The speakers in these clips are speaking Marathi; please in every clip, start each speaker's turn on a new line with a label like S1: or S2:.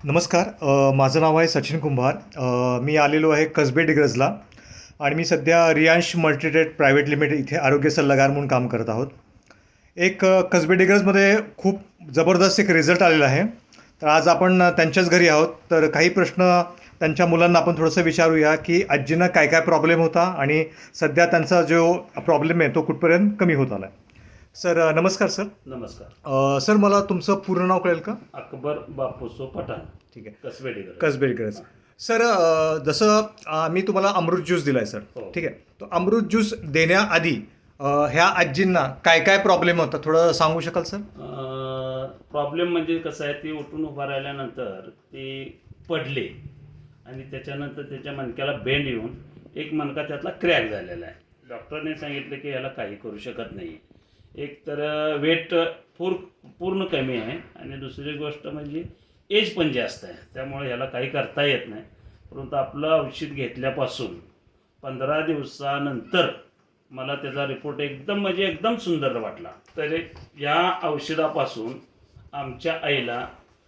S1: नमस्कार. माझं नाव आहे सचिन कुंभार. मी आलेलो आहे कसबे डिग्रजला आणि मी सध्या रियांश मल्टीट्रेड प्रायव्हेट लिमिटेड इथे आरोग्य सल्लागार म्हणून काम करत आहोत. एक कसबे डिग्रजमध्ये खूप जबरदस्त एक रिझल्ट आलेला आहे. तर आज आपण त्यांच्याच घरी आहोत. तर काही प्रश्न त्यांच्या मुलांना आपण थोडंसं विचारूया की आजींना काय काय प्रॉब्लेम होता आणि सध्या त्यांचा जो प्रॉब्लेम आहे तो कुठपर्यंत कमी होत आला आहे. सर नमस्कार सर.
S2: नमस्कार.
S1: सर मला तुमचं पूर्ण नाव कळेल का?
S2: अकबर बापूसो पठाण,
S1: ठीक आहे.
S2: कसबे.
S1: कसबे डिग्रज. सर जसं मी तुम्हाला अमृत ज्यूस दिला आहे सर.
S2: हो.
S1: ठीक आहे. तो अमृत ज्यूस देण्याआधी ह्या आजींना काय काय प्रॉब्लेम होता थोडं सांगू शकाल सर?
S2: प्रॉब्लेम म्हणजे कसं आहे, ती उठून उभा राहिल्यानंतर ती पडले आणि त्याच्यानंतर त्याच्या मणक्याला बेंड येऊन एक मणका त्यातला क्रॅक झालेला आहे. डॉक्टरने सांगितलं की याला काही करू शकत नाही. एक तर वेट पूर्ण कमी आहे आणि दुसरी गोष्ट म्हणजे एज पण जास्त आहे, त्यामुळे ह्याला काही करता येत नाही. परंतु आपलं औषध घेतल्यापासून 15 दिवसानंतर मला त्याचा रिपोर्ट एकदम सुंदर वाटला. तर या औषधापासून आमच्या आईला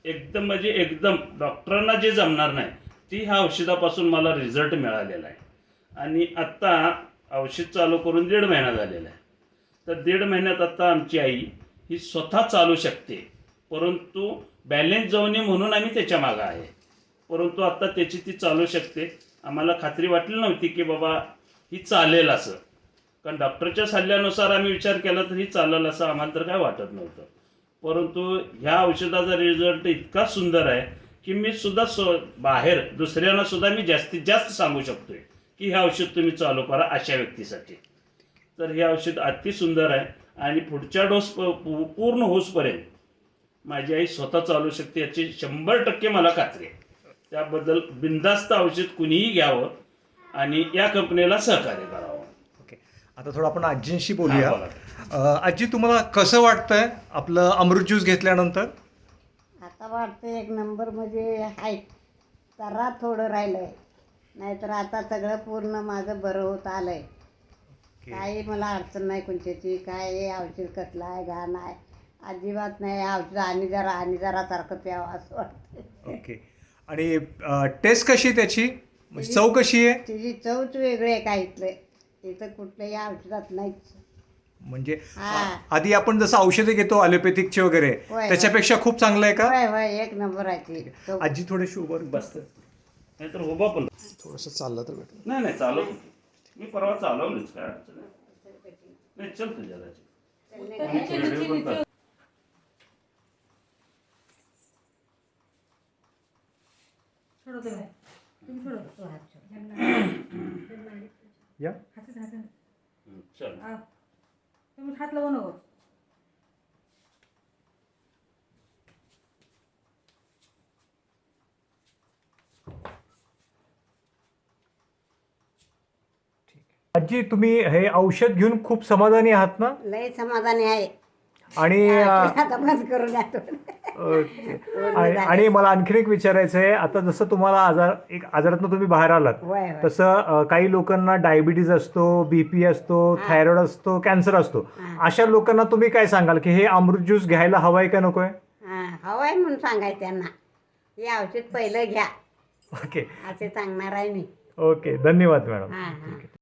S2: एकदम डॉक्टरांना जे जमणार नाही ती ह्या औषधापासून मला रिझल्ट मिळालेला आहे. आणि आत्ता औषध चालू करून 1.5 महिना झालेला आहे. तर 1.5 महिन्यात आत्ता आमची आई ही स्वतः चालू शकते. परंतु बॅलेन्स जाऊ नये म्हणून आम्ही त्याच्या मागं आहे. परंतु आत्ता त्याची ती चालू शकते. आम्हाला खात्री वाटली नव्हती की बाबा ही चालेल असं, कारण डॉक्टरच्या सल्ल्यानुसार आम्ही विचार केला तर ही चालेल असं आम्हाला तर काय वाटत नव्हतं. परंतु ह्या औषधाचा रिझल्ट इतका सुंदर आहे की मी सुद्धा बाहेर दुसऱ्यांना सुद्धा मी जास्तीत जास्त सांगू शकतोय की हे औषध तुम्ही चालू करा अशा व्यक्तीसाठी. तर हे औषध अति सुंदर आहे आणि पुढच्या डोस पूर्ण होसपर्यंत माझी आई स्वतः चालू शकते याची 100% मला खात्री आहे. त्याबद्दल बिनधास्त औषध कुणीही घ्यावं आणि या कंपनीला सहकार्य करावं.
S1: ओके. आता थोडं आपण आजींशी बोलूया.
S2: हा, बोला.
S1: आजी तुम्हाला कसं वाटतंय आपलं अमृत ज्यूस घेतल्यानंतर?
S3: आता वाटतं एक नंबर म्हणजे आहे. जरा थोडं राहिलंय, नाहीतर आता सगळं पूर्ण माझं बरं होत आलंय. काही मला अडचण नाही कोणत्याची. काय हे औषध कसलं आहे घाण आहे अजिबात नाही. औषध आणि जरा सारखं प्यावं असं वाटतं.
S1: ओके. आणि टेस्ट कशी आहे त्याची, म्हणजे चव कशी आहे?
S3: तिची चवच वेगळी आहे काय इथं कुठल्याही औषधात नाहीच.
S1: म्हणजे
S3: हा.
S1: आधी आपण जसं औषधे घेतो ॲलोपॅथिकचे वगैरे
S3: होय.
S1: त्याच्यापेक्षा खूप चांगलं आहे का?
S3: होय होय एक नंबर आहे ती चव.
S1: आजी थोडीशी उभं
S2: बसतं नाहीतर उभा पण
S1: थोडंसं चाललं तर भेटलं.
S2: नाही चालव. मी परवा चालवलीच, काय अडचण नाही. चल तुझ्या
S1: या.
S2: चल.
S4: तुम्ही हात लावू नको.
S1: आजी तुम्ही हे औषध घेऊन खूप समाधानी आहात ना?
S3: लय समाधानी आहे.
S1: आणि
S3: आता बंद करून जातो.
S1: ओके. आणि मला आणखीन एक विचारायचं आहे. आता जसं तुम्हाला आजारातून तुम्ही बाहेर आलात
S3: होय होय.
S1: तसं काही लोकांना डायबिटीज असतो, बीपी असतो, थायरॉइड असतो, कॅन्सर असतो. अशा लोकांना तुम्ही काय सांगाल की हे अमृत ज्यूस घ्यायला हवाय का नकोय?
S3: हवाय म्हणून सांगायचं त्यांना हे औषध पहिलं घ्या
S1: ओके.
S3: असे सांगणार आहे मी.
S1: ओके. धन्यवाद मॅडम.
S3: हां हां.